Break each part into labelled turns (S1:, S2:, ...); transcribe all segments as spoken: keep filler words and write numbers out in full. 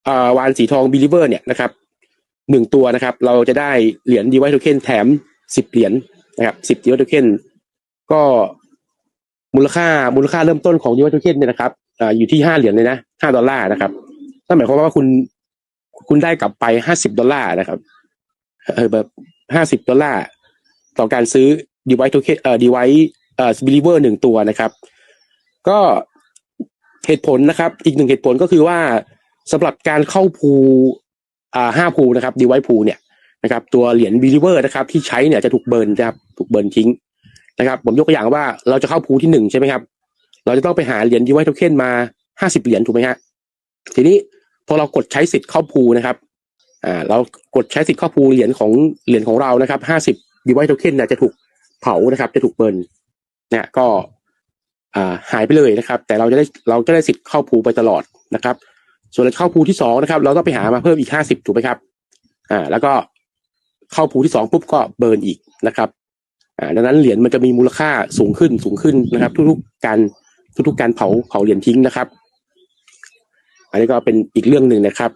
S1: อ่าวานสีทอง Believer เนี่ยนะครับหนึ่งตัวนะครับเราจะได้เหรียญ Device Token แถมสิบเหรียญนะครับสิบ Device Token ก็มูลค่ามูลค่าเริ่มต้นของ Device Token เนี่ยนะครับอ่าอยู่ที่ห้าเหรียญเลยนะห้าดอลลาร์นะครับนั่นหมายความว่าคุณคุณได้กลับไปห้าสิบดอลลาร์นะครับเออแบบห้าสิบดอลลาร์ต่อการซื้อ Device Token เอ่อ Device เอ่อ Believer หนึ่งตัวนะครับก็เหตุผลนะครับอีกหนึ่งเหตุผลก็คือว่าสำหรับการเข้าพูอ่าห้าพูนะครับ Device พูเนี่ยนะครับตัวเหรียญ Believer นะครับที่ใช้เนี่ยจะถูกเบิร์นนะครับถูกเบิร์นทิ้งนะครับผมยกตัวอย่างว่าเราจะเข้าพูที่หนึ่งใช่ไหมครับเราจะต้องไปหาเหรียญ Device Token มาห้าสิบเหรียญถูกไหมฮะทีนี้พอเรากดใช้สิทธิ์เข้าพูนะครับอ่าเรากดใช้สิทธิ์เข้าพูเหรียญของเหรียญของเรานะครับห้าสิบ Device Token เนี่ยจะถูกเผานะครับจะถูกเบิร์นเนี่ยก็อ่าหายไปเลยนะครับแต่เราจะได้เราจะได้สิทธิ์เข้าพูไปตลอดนะครับส่วนเข้าพูที่สองนะครับเราต้องไปหามาเพิ่มอีกห้าสิบถูกไหมครับอ่าแล้วก็เข้าพูที่สองปุ๊บก็เบิร์นอีกนะครับอ่าดังนั้นเหรียญมันจะมีมูลค่าสูงขึ้นสูงขึ้นนะครับทุกๆการทุกๆการเผาเผาเหรียญทิ้งนะครับอันนี้ก็เป็นอีกเรื่องหนึ่งนะครับ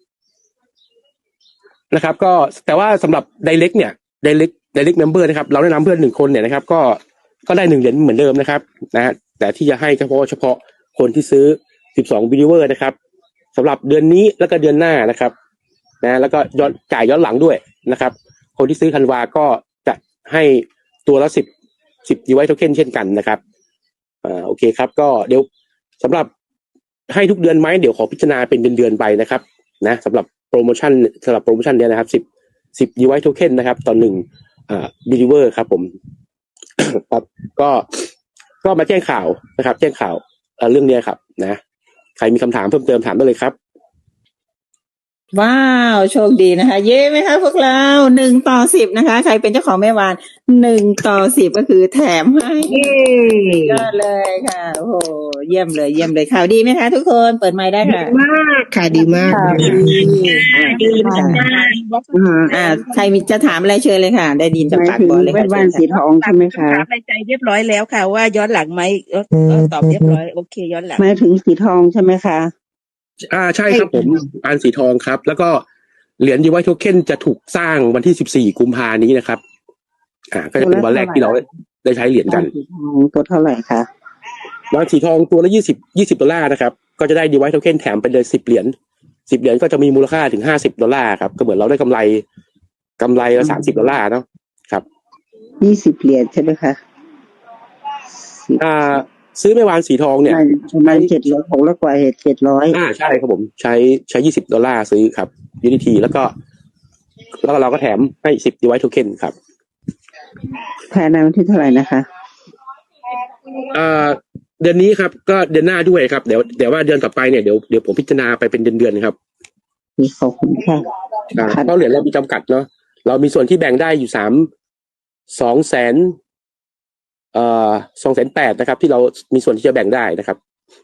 S1: นะครับก็แต่ว่าสำหรับ Direct เนี่ย Direct Direct Member นะครับเราแนะนำเพื่อนหนึ่งคนเนี่ยนะครับก็ก็ได้หนึ่งเหรียญเหมือนเดิมนะครับนะฮะแต่ที่จะให้เฉพาะเฉพาะคนที่ซื้อสิบสอง Believer นะครับสำหรับเดือนนี้แล้วก็เดือนหน้านะครับนะแล้วก็ย้อนจ่ายย้อนหลังด้วยนะครับคนที่ซื้อธันวาก็จะให้ตัวละสิบ สิบ Device Token เช่นกันนะครับอ่าโอเคครับก็เดี๋ยวสำหรับให้ทุกเดือนไหมเดี๋ยวขอพิจารณาเป็นเดือนๆไปนะครับนะสำหรับโปรโมชั่นสำหรับโปรโมชั่นเนี้ยนะครับสิบ สิบ Device Token นะครับต่อหนึ่งอ่า Believer ครับผม ครับก็ก็มาแจ้งข่าวนะครับแจ้งข่าวเอ่อเรื่องนี้ครับนะใครมีคำถามเพิ่มเติมถามได้เลยครับ
S2: ว้าวโชคดีนะคะเย้ไหมคะพวกเราหนึ่งต่อสิบนะคะใครเป็นเจ้าของแม่วานหนึ่งต่อสิบก็คือแถมให้เย้ยอดเลยค่ะโอ้โหเยี่ยมเลยเยี่ยมเลยข่าวดีไหมคะทุกคนเปิดไมค์ได้ค่ะ
S3: ดีมากค่ะดีมาก
S2: ข่าวดีอ่า
S3: ดีมาก
S2: อ่าใครมีจะถามอะไรเชิญเลยค่ะได้ดิน
S3: ห
S2: จะ
S3: มาย
S2: ปาก
S3: ถึง
S2: บอลเลย
S3: แว่
S2: ค่ะ
S3: นวานสีทองใช่ไหมคะ
S4: ถามในใจเรียบร้อยแล้วค่ะว่าย้อนหลังไหมเออเออตอบเรียบร้อยโอเคย้อนหลัง
S3: หมายถึงสีทองใช่ไหมคะ
S1: อ่าใช่ครับผมปานสีทองครับแล้วก็เหรียญ Device Token จะถูกสร้างวันที่สิบสี่กุมภาพันธ์นี้นะครับอ่าก็จะเป็นวันแรกที่เราได้ใช้เหรียญกัน
S3: สีทองตัวเท่าไหร่คะ
S1: วานสีทองตัวละยี่สิบ ยี่สิบดอลลาร์นะครับก็จะได้ Device Token แถมไปเลยสิบเหรียญสิบเหรียญก็จะมีมูลค่าถึงห้าสิบดอลลาร์ครับก็เหมือนเราได้กำไรกำไรละสามสิบดอลลาร์เนาะครับ
S3: ยี่สิบเหรียญใช่ไหมคะ
S1: อ่าซื้อแม่วานสีทองเนี่ย
S3: ประมาณเจ็ดร้อยหกร้อยกว่าเหตุเจ็ดร้อย
S1: อ่าใช่ครับผมใช้ใช้ยี่สิบดอลลาร์ซื้อครับ ยู ดี ที แล้วก็แล้วเราก็แถมให้สิบ Device Token ครับ
S3: ภายในวันที่เท่าไหร่นะคะ
S1: อ่าเดือนนี้ครับก็เดือนหน้าด้วยครับเดี๋ยวเดี๋ยวว่าเดือนต่อไปเนี่ยเดี๋ยวเดี๋ยวผมพิจารณาไปเป็นเดือนๆครับ
S3: ขอบคุณค่ะ
S1: เพราะเหรียญเรามีจำกัดเนาะเรามีส่วนที่แบ่งได้อยู่สามสองแสนเอ่อสองแสนแปดนะครับที่เรามีส่วนที่จะแบ่งได้นะครับ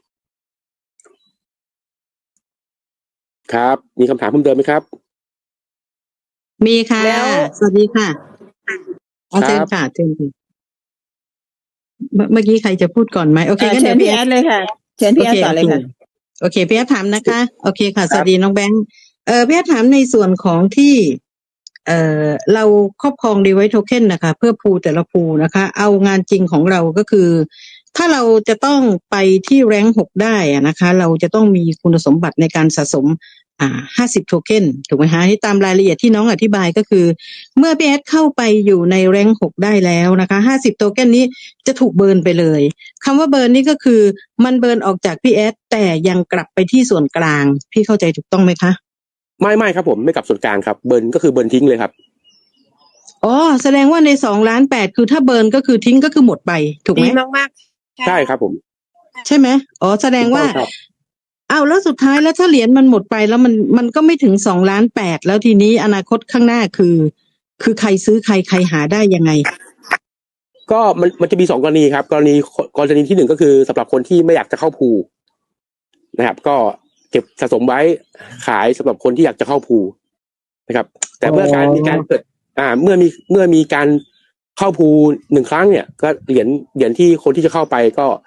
S1: ครับมีคำถามเพิ่มเติมไหมครับ
S5: มีค่ะสวัสดีค่ะเอาเชิญค่ะเชิญค่ะเมื่อกี้ใครจะพูดก่อนไหมโอเค
S2: เชิญพี่แอดเลยค่ะเชิญพี่แอดต่อเลยค่ะ
S5: โอเคพี่แอดถามนะคะโอเคค่ะสวัสดีน้องแบงค์เออพี่แอดถามในส่วนของที่เอ่อเราครอบครอง Device Token นะคะเพื่อพูแต่ละพูนะคะเอางานจริงของเราก็คือถ้าเราจะต้องไปที่แรงค์หกได้อะนะคะเราจะต้องมีคุณสมบัติในการสะสมอ่าห้าสิบโทเค็นถูกไหมคะที่ตามรายละเอียดที่น้องอธิบายก็คือเมื่อพี่แอดเข้าไปอยู่ในแรงค์หกได้แล้วนะคะห้าสิบโทเค็นนี้จะถูกเบิร์นไปเลยคำว่าเบิร์นนี่ก็คือมันเบิร์นออกจากพี่แอดแต่ยังกลับไปที่ส่วนกลางพี่เข้าใจถูกต้องไหมคะ
S1: ไม่ไม่ครับผมไม่กลับส่วนกลางครับเบิร์นก็คือเบิร์นทิ้งเลยครับ
S5: อ๋อแสดงว่าในสองล้านแปดคือถ้าเบิร์นก็คือทิ้งก็คือหมดไปถูกไหม
S4: ดีมาก
S1: ๆใช่ครับผม
S5: ใช่ไหมอ๋อแสดงว่าอ้าวแล้วสุดท้ายแล้วถ้าเหรียญมันหมดไปแล้วมันมันก็ไม่ถึงสองล้านแปดแล้วทีนี้อนาคตข้างหน้าคือคือใครซื้อใครใครหาได้ยังไง
S1: ก็มันมันจะมีสองกรณีครับกรณีกรณีที่หนึ่งก็คือสำหรับคนที่ไม่อยากจะเข้าพูนะครับก็เก็บสะสมไว้ขายสำหรับคนที่อยากจะเข้าพูนะครับแต่เมื่อการมีการเกิดอ่าเมื่อมีเมื่อมีการเข้าพูหนึ่งครั้งเนี่ยก็เหรียญเหรียญที่คนที่จะเข้าไปก็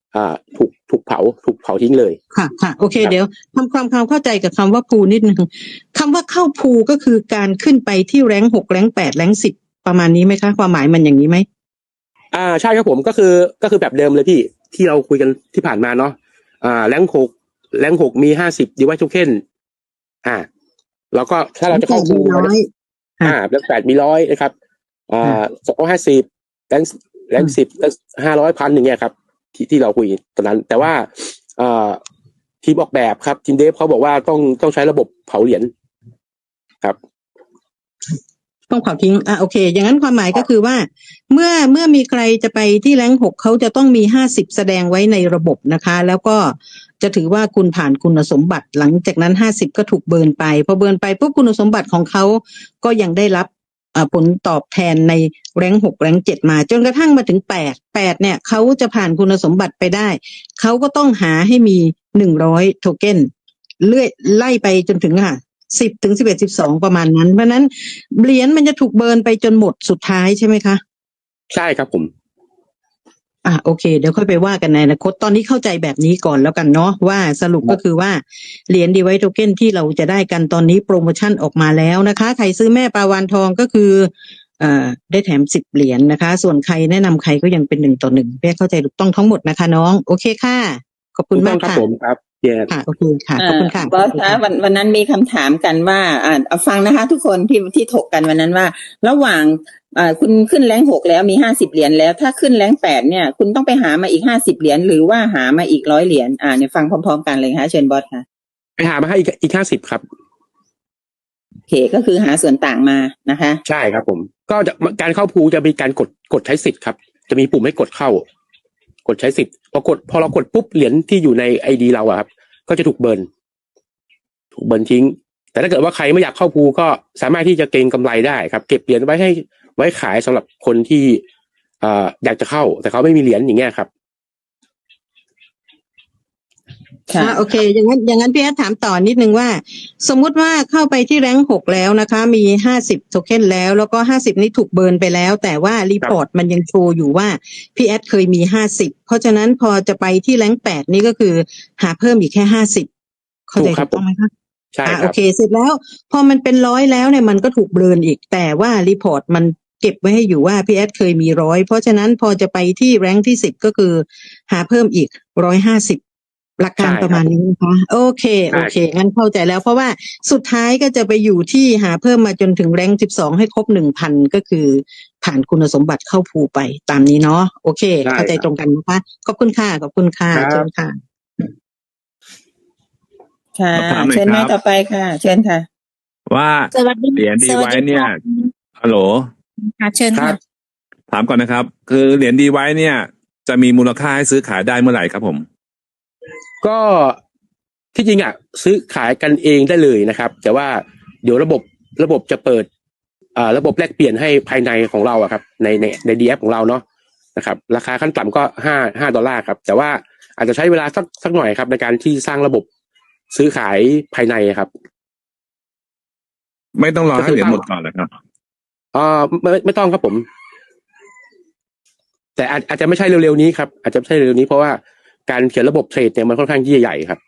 S1: อ่าถูกถูกเผาถูกเผาทิ้งเลย
S5: ค่ะค่ะโอเค
S1: ครับ
S5: เดี๋ยวทำความความเข้าใจกับคำว่าพูนิดนึงคำว่าเข้าพูก็คือการขึ้นไปที่แรงหกแรงแปดแรงสิบประมาณนี้ไหมคะความหมายมันอย่างนี้ไหม
S1: อ่าใช่ครับผมก็คือก็คือแบบเดิมเลยพี่ที่เราคุยกันที่ผ่านมาเนาะอ่าแรงหกแรงหกมีห้าสิบดีไวท์โทเค็นอ่าแล้วก็ถ้าเราจะเข้า
S5: มีร้อย
S1: อ่าแรงแปดมีร้อยนะครับอ่าสองร้อยห้าสิบแรงแรงสิบห้าร้อยพันอย่างเงี้ยครับที่ที่เราคุยตอนนั้น แต่ว่าอ่าทีมออกแบบครับทีมเดฟเขาบอกว่าต้องต้องใช้ระบบเผาเหรียญครับ
S5: ต้องเผาทิ้งอ่ะโอเค อย่างนั้นความหมายก็คือว่า เมื่อเมื่อมีใครจะไปที่แรงหกเขาจะต้องมีห้าสิบแสดงไว้ในระบบนะคะ แล้วก็จะถือว่าคุณผ่านคุณสมบัติหลังจากนั้นห้าสิบก็ถูกเบิร์นไปพอเบิร์นไปปุ๊บคุณสมบัติของเขาก็ยังได้รับอ่าผลตอบแทนในแรงหกแรงเจ็ดมาจนกระทั่งมาถึงแปดแปดเนี่ยเขาจะผ่านคุณสมบัติไปได้เขาก็ต้องหาให้มีหนึ่งร้อยโทเค็นเลื่อยไล่ไปจนถึงค่ะสิบถึงสิบเอ็ดสิบสองประมาณนั้นเพราะนั้นเหรียญมันจะถูกเบิร์นไปจนหมดสุดท้ายใช่ไหมคะ
S1: ใช่ครับผม
S5: อ่ะโอเคเดี๋ยวค่อยไปว่ากันในอนาคตตอนนี้เข้าใจแบบนี้ก่อนแล้วกันเนาะว่าสรุปก็คือว่าเหรียญดีไวท์โทเค็นที่เราจะได้กันตอนนี้โปรโมชั่นออกมาแล้วนะคะใครซื้อแม่ปลาวานทองก็คือเอ่อได้แถมสิบเหรียญนะคะ ส่วนใครแนะนำใครก็ยังเป็นหนึ่งต่อหนึ่งเพื่อเข้าใจถูกต้องทั้งหมดนะคะน้องโอเคค่ะขอบคุณมาก
S1: ครับ
S5: ค่ะ
S1: ผมครับเย้
S5: ค่ะโอเคค่ะขอบคุณค่ะ
S2: บอสคะวันวันนั้นมีคำถามกันว่าอ่าเอาฟังนะคะ ทุกคนที่ที่ถกกันวันนั้นว่า ระหว่างอ่าคุณขึ้นแรงหกแล้วมีห้าสิบเหรียญแล้วถ้าขึ้นแรงแปดเนี่ย คุณต้องไปหามาอีกห้าสิบเหรียญหรือว่าหามาอีกร้อยเหรียญอ่าเนี่ยฟังพร้อมๆกันเลยค่ะเชิญบอสค่ะ
S1: ไปหามาให้อีกอีกห้าสิบครับ
S2: โอเคก็คือหาส่วนต่างมานะคะ
S1: ใช่ครับผมก็จะการเข้าพูจะมีการกดกดใช้สิทธิ์ครับจะมีปุ่มให้กดเข้า กดใช้สิทธิ์พอกดพอเรากดปุ๊บเหรียญที่อยู่ในไอดีเราอะครับก็จะถูกเบิร์นถูกเบิร์นทิ้ง แต่ถ้าเกิดว่าใครไม่อยากเข้าพูก็สามารถที่จะเก็งกำไรได้ครับเก็บเหรียญไว้ให้ไว้ขายสำหรับคนที่อ่าอยากจะเข้า แต่เขาไม่มีเหรียญอย่างเงี้ยครับ
S2: ค่ะ
S5: อ่าโอเคอย่างนั้นอย่างนั้นพี่แอดถามต่อนิดนึงว่า สมมุติว่าเข้าไปที่แรงค์หกแล้วนะคะ มีห้าสิบโทเค็นแล้วแล้วก็ห้าสิบนี้ถูกเบิร์นไปแล้ว แต่ว่ารีพอร์ตมันยังโชว์อยู่ว่าพี่แอดเคยมีห้าสิบเพราะฉะนั้นพอจะไปที่แรงค์แปดนี่ก็คือหาเพิ่มอีกแค่ห้าสิบเข้าใจ
S1: ถูกครั
S5: ถู
S1: บ
S5: กต้องไหมคะ
S1: ใช่
S5: อ่า
S1: ค
S5: โอ
S1: รับ
S5: เคเสร็จแล้วพอมันเป็นร้อยแล้วเนี่ยมันก็ถูกเบิร์นอีก แต่ว่ารีพอร์ตมันเก็บไว้ให้อยู่ว่าพี่แอดเคยมีร้อยเพราะฉะนั้นพอจะไปที่แรงค์ที่สิบก็คือหาเพิ่มอีกร้อยห้าสิบหลักการ
S1: ใช่ครับ
S5: ประมาณนี้นะคะโอเค
S1: ใช่
S5: โอเคงั้นเข้าใจแล้วเพราะว่าสุดท้ายก็จะไปอยู่ที่หาเพิ่มมาจนถึงแรงค์สิบสองให้ครบหนึ่งพันก็คือผ่านคุณสมบัติเข้าภูไปตามนี้เนาะโอเค
S1: ได้
S5: เข้าใจ
S1: ครับ
S5: ตรงกันนะคะขอบคุณค่ะขอบคุณค่ะ
S1: ครับ
S5: เชิญค่ะ
S2: ค่ะ
S6: ขอถามหน่อย
S2: เชิญแม่
S6: ครับ
S2: ต่อไปค่ะ เชิญค่ะ
S6: ว่า
S7: สวัสดี
S6: เหรียญดี
S7: สวัส
S6: ไว้
S7: ดี
S6: เนี่ย
S7: ค่ะ
S6: ฮัลโหล
S7: ค่ะเชิญ
S1: ครั
S7: ค่ะ
S1: บ
S6: ถามก่อนนะครับ คือเหรียญดีไว้เนี่ย จะมีมูลค่าให้ซื้อขายได้เมื่อไหร่ครับผม
S1: ก็ที่จริงอ่ะซื้อขายกันเองได้เลยนะครับ แต่ว่าเดี๋ยวระบบระบบจะเปิดอ่าระบบแลกเปลี่ยนให้ภายในของเราอะครับ ในในในดีแอของเราเนาะนะครับ ราคาขั้นต่ำก็ห้าห้าดอลลาร์ครับ แต่ว่าอาจจะใช้เวลาสักสักหน่อยครับ ในการที่สร้างระบบซื้อขายภายในครับ
S6: ไม่ต้องรอ
S1: ก็
S6: ให้
S1: คือ
S6: เหรียญหมดก่อนเหรอครับ
S1: อ่าไม่ไม่ต้องครับผม แต่อาจอาจจะไม่ใช่เร็วๆนี้ครับ อาจจะไม่ใช่เร็วๆนี้เพราะว่าการเขียนระบบเทรดเนี่ยมันค่อนข้างที่จะใหญ่ครับ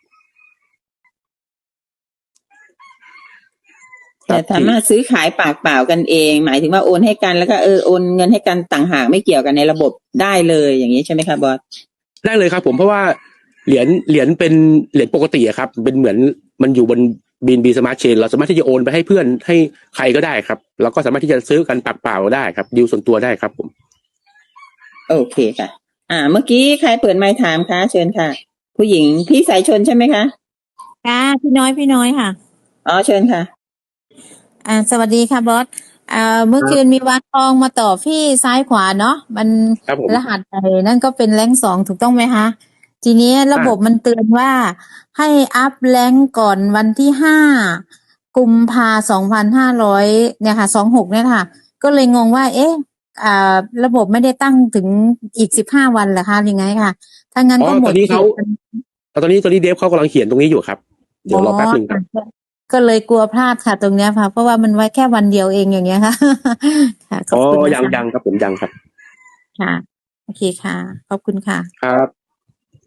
S2: แต่สามารถซื้อขายปากเปล่ากันเอง หมายถึงว่าโอนให้กันแล้วก็เออโอนเงินให้กันต่างหากไม่เกี่ยวกันในระบบได้เลยอย่างนี้ใช่ไหมคะบอส
S1: ได้เลยครับผมเพราะว่าเหรียญเหรียญเป็นเหรียญปกติอะครับ เป็นเหมือนมันอยู่บนบีนบีสมาร์ทเชนเราสามารถที่จะโอนไปให้เพื่อนให้ใครก็ได้ครับแล้วก็สามารถที่จะซื้อกันปากเปล่าได้ครับดีลส่วนตัวได้ครับผม
S2: โอเคค่ะ อ่า เมื่อกี้ใครเปิดไมค์ถามคะเชิญค่ะ ผู้หญิงพี่สายชนใช่ไหมคะ
S7: ค่ะพี่น้อยพี่น้อยค่ะ
S2: อ๋อเชิญค่ะ
S7: อ่าสวัสดีค่ะบอสอ่าเมื่อคืนมีวานทองมาต่อพี่ซ้ายขวาเนาะมัน
S1: ครับผม
S7: รหัสไอ้นั่นก็เป็นแรงค์สองถูกต้องไหมคะทีนี้ระบบมันเตือนว่าให้อัพแรงค์ก่อนวันที่ห้ากุมภาสองพันห้าร้อยเนี่ยค่ะสองหกเนี่ยค่ะ ก็เลยงงว่า เอ๊ะอ่าระบบไม่ได้ตั้งถึงอีกสิบห้าวันเหรอคะยังไงค่ะถ้างั้น
S1: อ๋อ
S7: ก็หม
S1: ตอ
S7: ด
S1: นนี้เขา
S7: ขต
S1: ตอนนี้ตอนนี้เดฟเขากำลังเขียนตรงนี้อยู่ครับเดี๋ยวรอแป๊บหนึ่งครับ
S7: อ๋อก็เลยกลัวพลาดค่ะตรงเนี้ยค่ะเพราะว่ามันไว้แค่วันเดียวเองอย่างเงี้ยค่ะ ค่ะขอบ
S1: อ๋อ
S7: คุณนะคะ
S1: ยังยังครับผมยังครับ
S7: ค่ะ โอเคค่ะ ขอบคุณค่ะ
S1: ครับ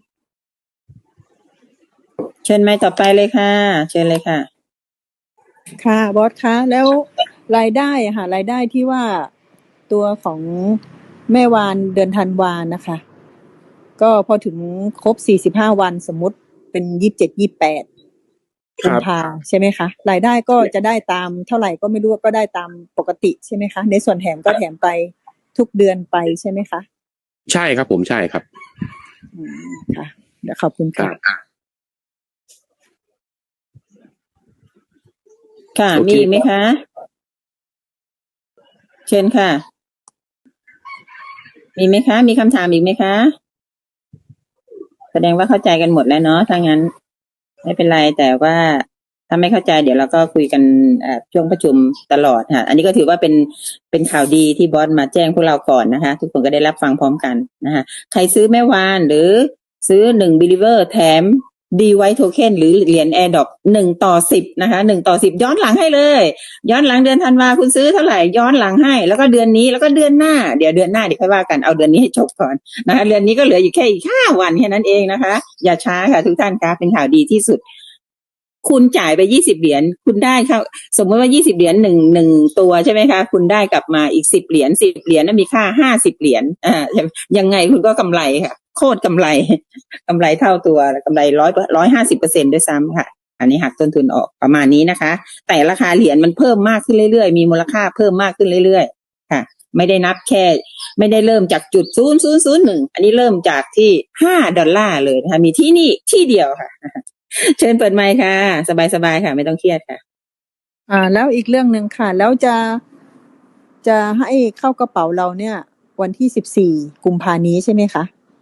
S2: เชิญไม้ต่อไปเลยค่ะ เชิญเลยค่ะ
S8: ค่ะบอสคะแล้วรายได้อะค่ะรายได้ที่ว่าตัวของแม่วานเดือนธันวานะคะ ก็พอถึงครบสี่สิบห้าวันสมมติเป็นยี่สิบเจ็ดยี่สิบแปด
S1: ค
S8: กุ
S1: รั
S8: ม
S1: บ
S8: ภาใช่ไหมคะรายได้ก็จะได้ตามเท่าไหร่ก็ไม่รู้ก็ได้ตามปกติใช่ไหมคะในส่วนแถมก็แถมไปทุกเดือนไปใช่ไหมคะ
S1: ใช่ครับผมใช่ครับ
S8: อืมค่ะเดี๋ยวขอบคุณ
S1: ครั
S8: ค่ะ
S1: บ
S2: ค่ะ
S1: โอเค
S2: มีอีกไหมคะ เชิญค่ะ มีไหมคะ มีคำถามอีกไหมคะ แสดงว่าเข้าใจกันหมดแล้วเนาะถ้างั้น ไม่เป็นไรแต่ว่าถ้าไม่เข้าใจเดี๋ยวเราก็คุยกันเอ่อช่วงประชุมตลอดค่ะ อันนี้ก็ถือว่าเป็นเป็นข่าวดีที่บอสมาแจ้งพวกเราก่อนนะคะ ทุกคนก็ได้รับฟังพร้อมกันนะคะใครซื้อแม่วานหรือซื้อหนึ่ง believer แถม ดี White Token หรือเหรียญ AirDrop หนึ่งต่อสิบนะคะหนึ่งต่อสิบย้อนหลังให้เลย ย้อนหลังเดือนธันวาคุณซื้อเท่าไหร่ย้อนหลังให้ แล้วก็เดือนนี้แล้วก็เดือนหน้าเดี๋ยวเดือนหน้าเดี๋ยวค่อยว่ากันเอาเดือนนี้ให้จบก่อนนะคะเดือนนี้ก็เหลืออยู่แค่อีกห้าวันแค่นั้นเองนะคะ อย่าช้าค่ะทุกท่านคะเป็นข่าวดีที่สุด คุณจ่ายไปยี่สิบเหรียญคุณได้ค่ะสมมติว่ายี่สิบเหรียญหนึ่งหนึ่งตัวใช่ไหมคะคุณได้กลับมาอีกสิบเหรียญสิบเหรียญนั้นมีค่าห้าสิบเหรียญอ่ายังไงคุณก็กำไรค่ะโคตรกำไรกำไรเท่าตัวกำไรร้อยร้อยห้าสิบเปอร์เซ็นต์ด้วยซ้ำค่ะ อันนี้หักต้นทุนออกประมาณนี้นะคะ แต่ราคาเหรียญมันเพิ่มมากขึ้นเรื่อยๆมีมูลค่าเพิ่มมากขึ้นเรื่อยๆค่ะ ไม่ได้นับแค่ไม่ได้เริ่มจากจุดศูนย์ศูนย์ศูนย์หนึ่งอันนี้เริ่มจากที่ห้าดอลลาร์เลยนะคะมีที่นี่ที่เดียวค่ะ เชิญเปิดไมค์ค่ะ สบายๆค่ะ ไม่ต้องเครียดค่ะ
S8: อ่าแล้วอีกเรื่องหนึ่งค่ะ แล้วจะจะให้เข้ากระเป๋าเราเนี่ย วันที่สิบสี่กุมภานี้ใช่ไหมคะ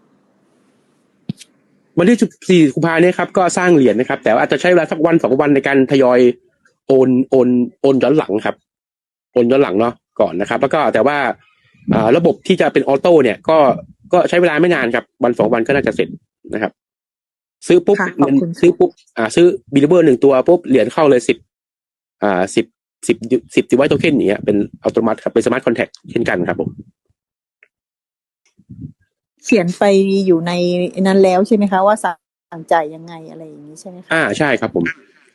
S1: วันที่สิบสี่กุมภาพันธ์เนี่ยครับก็สร้างเหรียญนะครับ แต่ว่าอาจจะใช้เวลาสักวันสองวันในการทยอยโอนโอนโอนย้อนหลังครับโอนย้อนหลังเนาะก่อนนะครับ แล้วก็แต่ว่าอ่าระบบที่จะเป็นออโต้เนี่ยก็ก็ใช้เวลาไม่นานครับวันสองวันก็น่าจะเสร็จนะครับ ซื้อปุ๊บ
S8: ค่ะขอบ
S1: เงิน
S8: คุณค่ะ
S1: ซื้อปุ๊บอ่าซื้อบิลเบอร์หนึ่งตัวปุ๊บเหรียญเข้าเลยสิบอ่าสิบสิบสิบดิไวท์โทเค็นอย่างเงี้ยเป็นอัตโนมัติครับเป็นสมาร์ทคอนแทคเช่นกันครับผม
S8: เขียนไปอยู่ในนั้นแล้วใช่ไหมคะว่าสั่งจ่ายยังไงอะไรอย่างนี้ใช่ไหมคะ
S1: อ่าใช่ครับผม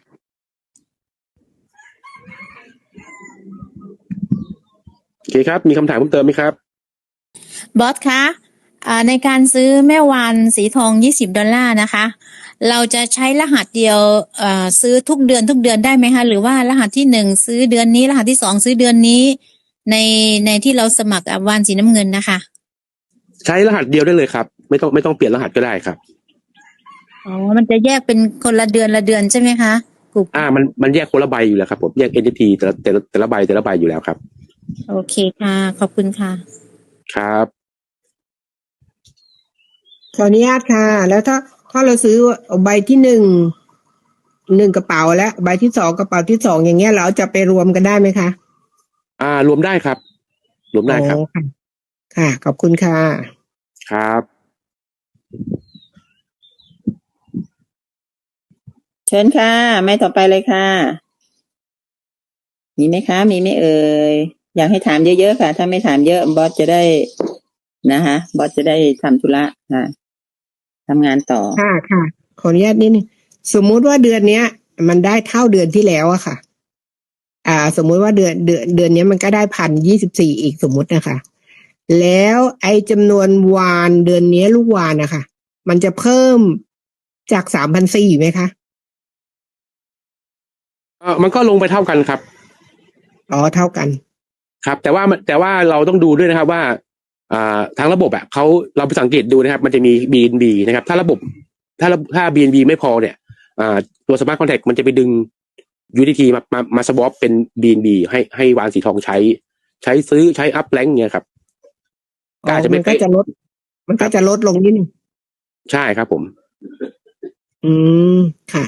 S1: โอเคครับมีคำถามเพิ่มเติมไหมครับ
S7: บอสคะอ่าในการซื้อแม่วานสีทองยี่สิบดอลลาร์นะคะ เราจะใช้รหัสเดียวเอ่อซื้อทุกเดือนทุกเดือนได้ไหมคะหรือว่ารหัสที่หนึ่งซื้อเดือนนี้รหัสที่สองซื้อเดือนนี้ในในที่เราสมัครวานสีน้ำเงินนะคะ
S1: ใช้รหัสเดียวได้เลยครับไม่ต้องไม่ต้องเปลี่ยนรหัสก็ได้ครับ
S7: อ๋อมันจะแยกเป็นคนละเดือนละเดือนใช่ไหมคะกลุ่ม
S1: อ่ามันมันแยกคนละใบอยู่แล้วครับผมแยก เอ็น เอฟ ที แต่ละแต่ละแต่ละใบแต่ละใบอยู่แล้วครับ
S7: โอเคค่ะขอบคุณค่ะ
S1: ครับ
S9: ขออนุญาตค่ะ แล้วถ้าถ้าเราซื้อใบที่หนึ่งหนึ่งกระเป๋าและใบที่สองกระเป๋าที่สองอย่างเงี้ยเราจะไปรวมกันได้ไหมคะ
S1: อ่ารวมได้ครับ รวมได้ครับ
S9: อ๋อค่ะค่ะ ขอบคุณค่ะ
S1: ครับ
S2: เชิญค่ะ ไม่ต่อไปเลยค่ะ มีไหมคะ มีไหมเอ่ยอยากให้ถามเยอะๆค่ะ ถ้าไม่ถามเยอะบอสจะได้นะคะบอสจะได้ทำธุระค่ะทำงานต่อ
S9: ค่ะค่ะ ขออนุญาตนิดนึงสมมุติว่าเดือนเนี้ย มันได้เท่าเดือนที่แล้วอะค่ะ อ่า สมมุติว่าเดือนเดือนเดือนเนี้ยมันก็ได้พันยี่สิบสี่อีกสมมุตินะคะ แล้วไอ้จำนวนวานเดือนเนี้ยลูกวานนะคะมันจะเพิ่มจากสามพันสี่ไหมคะ
S1: เออมันก็ลงไปเท่ากันครับ
S9: อ๋อเท่ากัน
S1: ครับ แต่ว่าแต่ว่าเราต้องดูด้วยนะครับว่าอ่าทางระบบอ่ะเขาเราไปสังเกตดูนะครับ มันจะมี บี เอ็น บี นะครับ ถ้าระบบถ้าถ้า บี เอ็น บี ไม่พอเนี่ยอ่าตัว Smart Contract มันจะไปดึง ยู ดี ที มามามาสวอปเป็น บี เอ็น บี ให้ให้วานสีทองใช้ ใช้ซื้อใช้อัพแลงเงี้ยครับ
S9: อ๋
S1: ก็
S9: อ
S1: อาจจะ
S9: มั
S1: ไม่
S9: นก็
S1: เป๊ะ
S9: จะลด มันก็จะลดลงนิดนึง
S1: ใช่ครับผม
S9: อืมค่ะ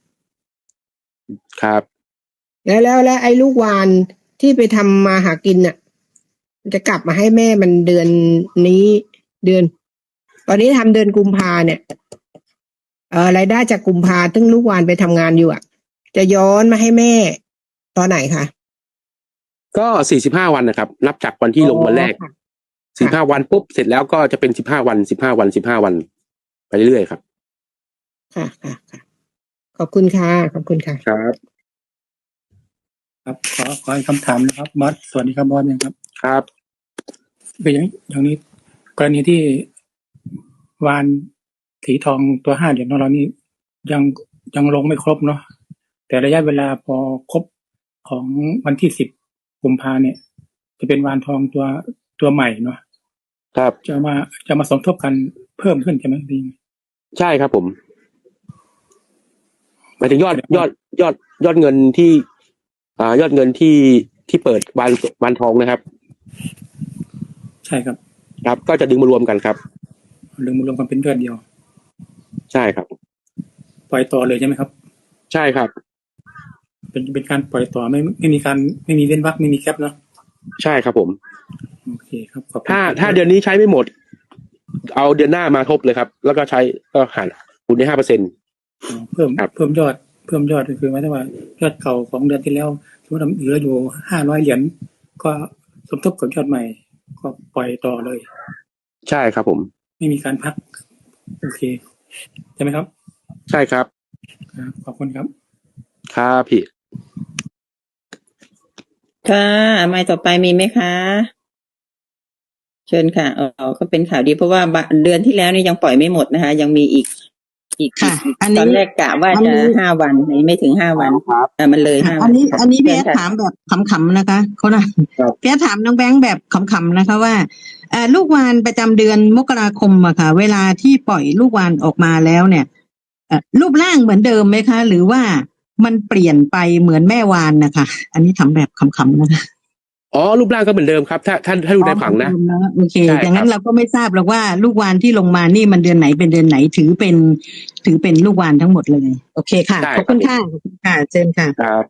S1: ครับ
S9: แล้วแล้วแล้วไอ้ลูกวานที่ไปทำมาหากินน่ะมันจะกลับมาให้แม่มันเดือนนี้เดือน ตอนนี้ทำเดือนกุมภาเนี่ยเอ่อรายได้จากกุมภาซึ่งลูกวานไปทำงานอยู่อ่ะ จะย้อนมาให้แม่ตอนไหนคะ
S1: ก็สี่สิบห้าวันนะครับ นับจากวันที่ลงวันแรก
S9: อ๋อค่ะ
S1: สิบห้าวันปุ๊บเสร็จแล้วก็จะเป็นสิบห้าวันสิบห้าวันสิบห้าวันไปเรื่อยๆครับ
S9: ค่ะค่ะค่ะขอบคุณค่ะขอบคุณค่ะ
S1: ครับ
S10: ครับขอขออีกคำถามนะครับบอสสวัสดีครับบอสนะครับ
S1: ครับ
S10: เป็นอย่างอย่างนี้กรณีที่วานสีทองตัวห้าเหรียญของเรานี่ยังยังลงไม่ครบเนาะแต่ระยะเวลาพอครบของวันที่สิบกุมภาเนี่ย จะเป็นวานทองตัวตัวใหม่เนาะ
S1: ครับ
S10: จะมาจะมาสมทบกันเพิ่มขึ้นใช่ไหมดี
S1: ใช่ครับผมหมายถึงยอดยอดยอดยอดเงินที่อ่ายอดเงินที่ที่เปิดวันวันทองนะครับ
S10: ใช่ครับ
S1: ครับ ก็จะดึงมารวมกันครับ
S10: ดึงมารวมกันเป็นยอดเดียว
S1: ใช่ครับ
S10: ปล่อยต่อเลยใช่ไหมครับ
S1: ใช่ครับ
S10: เป็นเป็นการปล่อยต่อไม่ไม่มีการไม่มีเว้นวรรคไม่มีแคปเนาะ
S1: ใช่ครับผม
S10: โอเคครับขอบคุณ
S1: ถ้าถ้าเดือนนี้ใช้ไม่หมด เอาเดือนหน้ามาทบเลยครับ แล้วก็ใช้ก็หันคูณได้ห้าเปอร์เซ็นต์
S10: อ๋อเพิ่ม
S1: ครับ
S10: เพิ่มยอดเพิ่มยอดก็คือหมายถึงว่ายอดเก่าของเดือนที่แล้วสมมติว่าเหลืออยู่ห้าร้อยเหรียญก็สมทบกับยอดใหม่ ก็ปล่อยต่อเลย
S1: ใช่ครับผม
S10: ไม่มีการพัก โอเคใช่ไหมครับ
S1: ใช่ครับ
S10: ครับขอบคุณครับ
S1: ครับพี่
S2: ค่ะไม่ต่อไปมีไหมคะ เชิญค่ะอ๋อก็เป็นข่าวดีเพราะว่าบะเดือนที่แล้วนี่ยังปล่อยไม่หมดนะคะ ยังมีอีก อีก
S5: ค่ะ
S2: อีก
S5: อันนี้
S2: ตอนแรกกะว่า
S5: อัน
S2: จะ
S5: นี้
S2: ห้าวันนี่ไม่ถึงห้าวันแต่มันเลยห้าวั
S5: อันนี้
S2: ค่ะ
S5: อันนี้พี่
S2: เชิ
S5: แอ
S2: ญ
S5: ด
S2: ค่ะ
S5: ถามแบบขำๆนะคะเขานะครับ พี่แอดถามน้องแบงค์แบบขำๆนะคะว่าเอ่อลูกวานประจำเดือนมกราคมอะค่ะ เวลาที่ปล่อยลูกวานออกมาแล้วเนี่ยเอ่อรูปร่างเหมือนเดิมไหมคะ หรือว่ามันเปลี่ยนไปเหมือนแม่วานนะคะ อันนี้ทำแบบขำๆนะคะ
S1: อ๋อรูปร่างก็เหมือนเดิมครับ ถ้าถ้าถ้าดูในผังนะ
S5: อ๋อเหมือเดิมนะโอเค
S1: ใช่
S5: อย่างนั้
S1: ครั
S5: น
S1: บ
S5: เราก็ไม่ทราบหรอกว่าลูกวานที่ลงมานี่มันเดือนไหนเป็นเดือนไหนถือเป็น ถือเป็นลูกวานทั้งหมดเลย โอเคค่ะ
S1: ใช่
S5: ขอบ
S1: ครั
S5: คุ
S1: บ
S5: ณค่ะขอบคุณค่ะเชิญค่ะ
S1: ครับ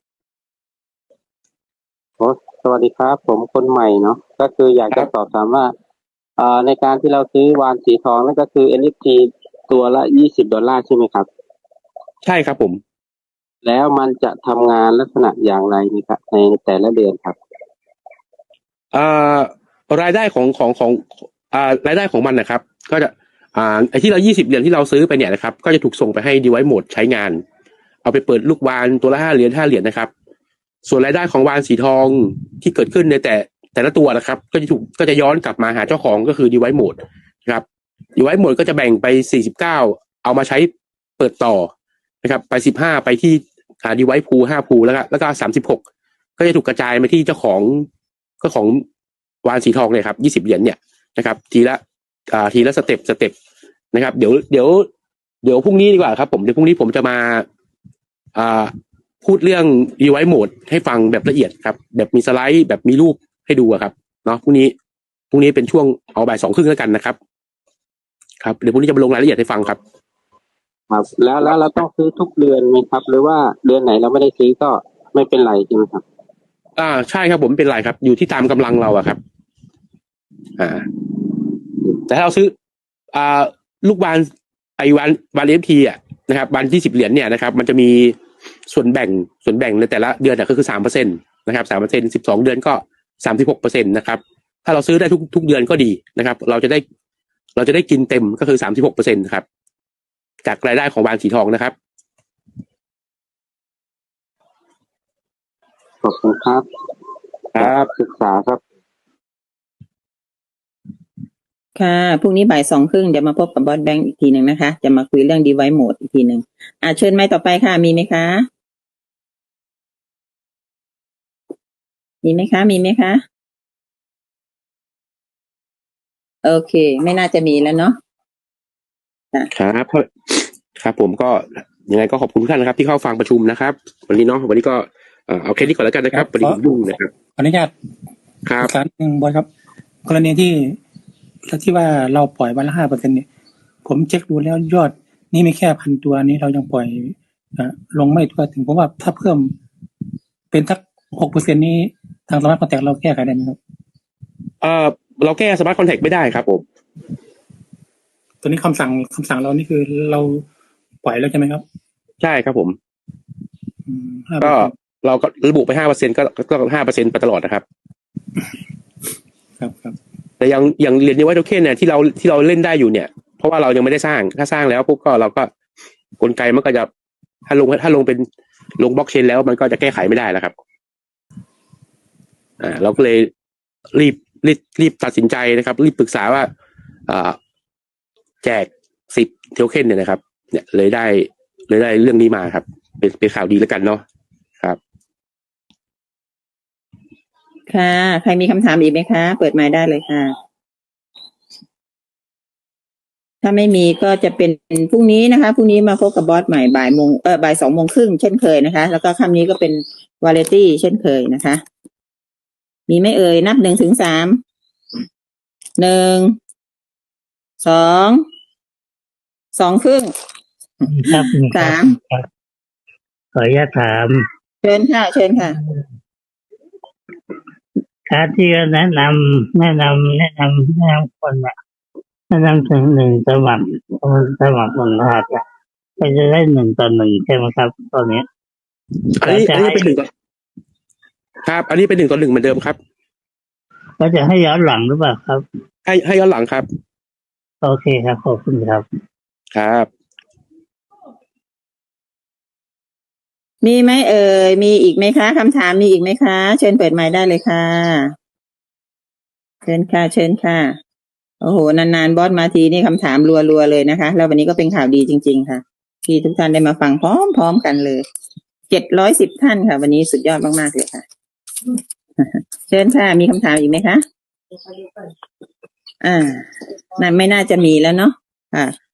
S11: โอ้สวัสดีครับ ผมคนใหม่เนาะก็คืออยาก
S1: ครั
S11: จะ
S1: บ
S11: สอบถามว่าอ่าในการที่เราซื้อวานสีทองนั่นก็คือ เอ็น เอฟ ที ตัวละยี่สิบดอลลาร์ใช่ไหมครับ
S1: ใช่ครับผม
S11: แล้วมันจะทำงานลักษณะอย่างไรในครับในแต่ละเดือนครับ
S1: อ่ารายได้ของของของอ่ารายได้ของมันนะครับ ก็จะอ่าไอ้ที่เรายี่สิบเหรียญที่เราซื้อไปเนี่ยนะครับ ก็จะถูกส่งไปให้ device mode ใช้งาน เอาไปเปิดลูกวานตัวละห้าเหรียญห้าเหรียญนะครับ ส่วนรายได้ของวานสีทองที่เกิดขึ้นในแต่แต่ละตัวนะครับ ก็จะถูกก็จะย้อนกลับมาหาเจ้าของก็คือ device mode นะครับ device mode ก็จะแบ่งไปสี่สิบเก้าเอามาใช้เปิดต่อนะครับ ไปสิบห้าไปที่อ่า device pool ห้า pool แล้วก็แล้วก็สามสิบหกก็จะถูกกระจายมาที่เจ้าของก็ของวานสีทองเนี่ยครับยี่สิบเหรียญเนี่ยนะครับ ทีละอ่าทีละสเต็ปสเต็ปนะครับ เดี๋ยวเดี๋ยวเดี๋ยวพรุ่งนี้ดีกว่าครับผมเดี๋ยวพรุ่งนี้ผมจะมาอ่าพูดเรื่อง device mode ให้ฟังแบบละเอียดครับ แบบมีสไลด์แบบมีรูปให้ดูอะครับเนาะพรุ่งนี้พรุ่งนี้เป็นช่วงเอาบ่ายสองครึ่งแล้วกันนะครับ ครับเดี๋ยวพรุ่งนี้จะมาลงรายละเอียดให้ฟังครับ
S11: ครับ แล้วแล้วเราต้องซื้อทุกเดือนไหมครับ หรือว่าเดือนไหนเราไม่ได้ซื้อก็ไม่เป็นไรใช่ไหมครับ
S1: อ่าใช่ครับผมเป็นไรครับ อยู่ที่ตามกำลังเราอะครับ อ่า แต่ถ้าเราซื้อ อ่า ลูกบานไอวันวันเอฟทีอ่ะนะครับวันที่สิบเหรียญเนี่ยนะครับ มันจะมีส่วนแบ่งส่วนแบ่งในแต่ละเดือนอ่ะก็คือสามเปอร์เซ็นต์นะครับสามเปอร์เซ็นต์สิบสองเดือนก็สามสิบหกเปอร์เซ็นต์นะครับ ถ้าเราซื้อได้ทุกทุกเดือนก็ดีนะครับ เราจะได้ เราจะได้กินเต็มก็คือสามสิบหกเปอร์เซ็นต์ครับ จากรายได้ของวานสีทองนะครับ
S11: ขอบคุณครับ
S1: ครับ
S11: ศึกษาครับ
S2: ค่ะพรุ่งนี้บ่ายสองครึ่งเดี๋ยวมาพบกับบอสแบงค์อีกทีหนึ่งนะคะ จะมาคุยเรื่อง device mode อีกทีหนึ่งอ่าเชิญไม้ต่อไปค่ะ มีไหมคะ มีไหมคะ มีไหมคะ โอเค ไม่น่าจะมีแล้วเนาะ
S1: ครับครับผมก็ยังไงก็ขอบคุณทุกท่านนะครับ ที่เข้าฟังประชุมนะครับ วันนี้เนาะวันนี้ก็เอ่อเอาแค่นี้ก่อนแล้วกันนะครับวันนี้ผมยุ่งนะครับ
S10: ขออนุญาต
S1: ครับ
S10: อีกครั้งหนึ่งบอยครับ กรณีที่ที่ว่าเราปล่อยวันละห้าเปอร์เซ็นต์เนี่ย ผมเช็คดูแล้วยอดนี่มีแค่พันตัวนี้เรายังปล่อยอ่ะลงไม่ทั่วถึงผมว่าถ้าเพิ่มเป็นทักหกเปอร์เซ็นต์นี้ทางสมาร์ทคอนแทคเราแก้ไขได้ไหมครับ
S1: เอ่อเราแก้สมาร์ทคอนแทคไม่ได้ครับผม
S10: ตัวนี้คำสั่งคำสั่งเรานี่คือเราปล่อยแล้วใช่ไหมครับ
S1: ใช่ครับผม
S10: อืม
S1: ก็
S10: ห้าเปอร์เซ็นต์
S1: เราก็ระบุไปห้าเปอร์เซ็นต์ก็ก็ห้าเปอร์เซ็นต์ไปตลอดนะครับ
S10: ครับครับ
S1: แต่ยังอย่างเหรียญนิวไวโทเค็นเนี่ยที่เราที่เราเล่นได้อยู่เนี่ย เพราะว่าเรายังไม่ได้สร้างถ้าสร้างแล้วปุ๊บก็เราก็กลไกมันก็จะถ้าลงถ้าลงเป็นลงบล็อกเชนแล้วมันก็จะแก้ไขไม่ได้แล้วครับอ่าเราก็เลยรีบรีบรีบตัดสินใจนะครับรีบปรึกษาว่าอ่าแจกสิบโทเค็นเนี่ยนะครับเนี่ยเลยได้เลยได้เรื่องนี้มาครับเป็นเป็นข่าวดีแล้วกันเนาะครับ
S2: ค่ะใครมีคำถามอีกไหมคะเปิดไมค์ได้เลยค่ะถ้าไม่มีก็จะเป็นพรุ่งนี้นะคะพรุ่งนี้มาพบกับบอสใหม่บ่ายโมงเออบ่ายสองโมงครึ่งเช่นเคยนะคะแล้วก็ค่ำนี้ก็เป็นวาเลตี้เช่นเคยนะคะมีไหม่เอ่ยนับหนึ่งถึงสามหนึ่งสองสองครึ่ง
S12: ครับ
S2: สาม
S12: ครับขออนุญาตถาม
S2: เชิญค่ะเชิญค่ะ
S12: การที่แนะนำแนะนำแนะนำแนะนำคนอะแนะนำถึงหนึ่งสมัครสมัครหนึ่งรหัสอะก็จะได้หนึ่งต่อหนึ่งใช่ไหมครับตอนนี้
S1: อันนี้อันนี้เป็นหนึ่งต่อครับ อันนี้เป็นหนึ่งต่อหนึ่งเหมือนเดิมครับ
S12: ก็จะให้ย้อนหลังหรือเปล่าครับ
S1: ให้ให้ย้อนหลังครับ
S12: โอเคครับขอบคุณครับ
S1: ครับ
S2: มีไหมเอ่ยมีอีกไหมคะคำถามมีอีกไหมคะเชิญเปิดไมค์ได้เลยค่ะเชิญค่ะเชิญค่ะโอ้โหนานๆบอสมาทีนี่คำถามรัวๆเลยนะคะแล้ววันนี้ก็เป็นข่าวดีจริงๆค่ะที่ทุกท่านได้มาฟังพร้อมๆกันเลยเจ็ดร้อยสิบท่านค่ะวันนี้สุดยอดมากๆเลยค่ะเชิญค่ะมีคำถามอีกไหมคะอ่านั่นไม่น่าจะมีแล้วเนาะค่ะ